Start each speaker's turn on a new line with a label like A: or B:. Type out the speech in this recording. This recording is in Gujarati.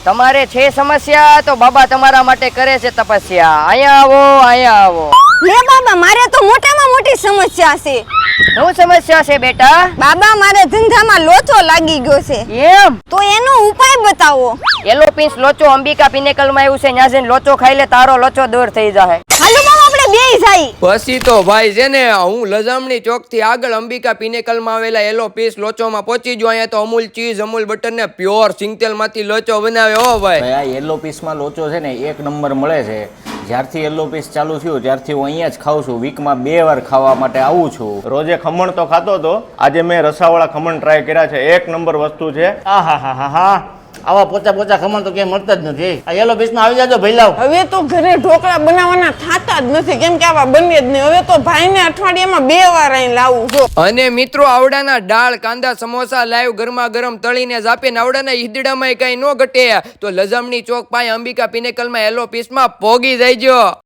A: તમારે છે સમસ્યા તો બાબા તમારા માટે કરે છે તપસ્યા. અહીંયા આવો, અહીંયા આવો.
B: લે બાબા, મારે તો મોટામાં મોટી સમસ્યા છે.
A: શું સમસ્યા છે બેટા?
B: બાબા, મારે ધંધામાં લોચો લાગી ગયો છે.
A: એમ?
B: તો એનો ઉપાય બતાવો.
A: એલો પીસ લોચો અંબિકા પિનેકલ માં આવ્યું છે. ન્યા જઈને લોચો ખાઈ લે, તારો લોચો દૂર થઈ જાય.
B: હાલો બાબા, આપણે બેય જાય.
C: પછી તો ભાઈ છે ને હું લજામણી ચોક થી આગળ અંબિકા પિનેકલ માં આવેલા એલો પીસ લોચોમાં પહોંચી ગયો. અહીંયા તો અમૂલ ચીઝ, અમૂલ બટર ને પ્યોર સિંગતેલ માંથી લોચો બનાવે. હો ભાઈ,
D: આ યલો પીસમાં લોચો છે ને એક નંબર મળે છે. જ્યારથી યલો પીસ ચાલુ થયું ત્યારથી હું અહીંયા જ ખાઉં છું. વીકમાં 2 વાર ખાવા માટે આવું છું.
E: રોજે ખમણ તો ખાતો હતો, આજે મેં રસાવાળા ખમણ ટ્રાય કર્યા છે. એક નંબર વસ્તુ છે.
F: આહા આવા પોચા પોચા ખમણ તો ક્યાંય મળતા જ નથી. આ યલો પીસમાં આવી જાજો ભઈલાવ.
G: હવે તો ઘરે ઢોકળા બનાવવાના થાતા જ નથી, કેમ કે આવા બને જ નહીં. હવે તો ભાઈને અઠવાડિયામાં 2 વાર અહીં લાવું છો.
C: અને મિત્રો આવડાના દાળ, કાંદા, સમોસા લાઈવ ગરમા ગરમ તળીને જ આપે ને આવડાના ઈદડામાં કઈ ન ઘટે. તો લજામણી ચોક પાસે અંબિકા પિનેકલ માં એલો પીસમાં પોગી જાય.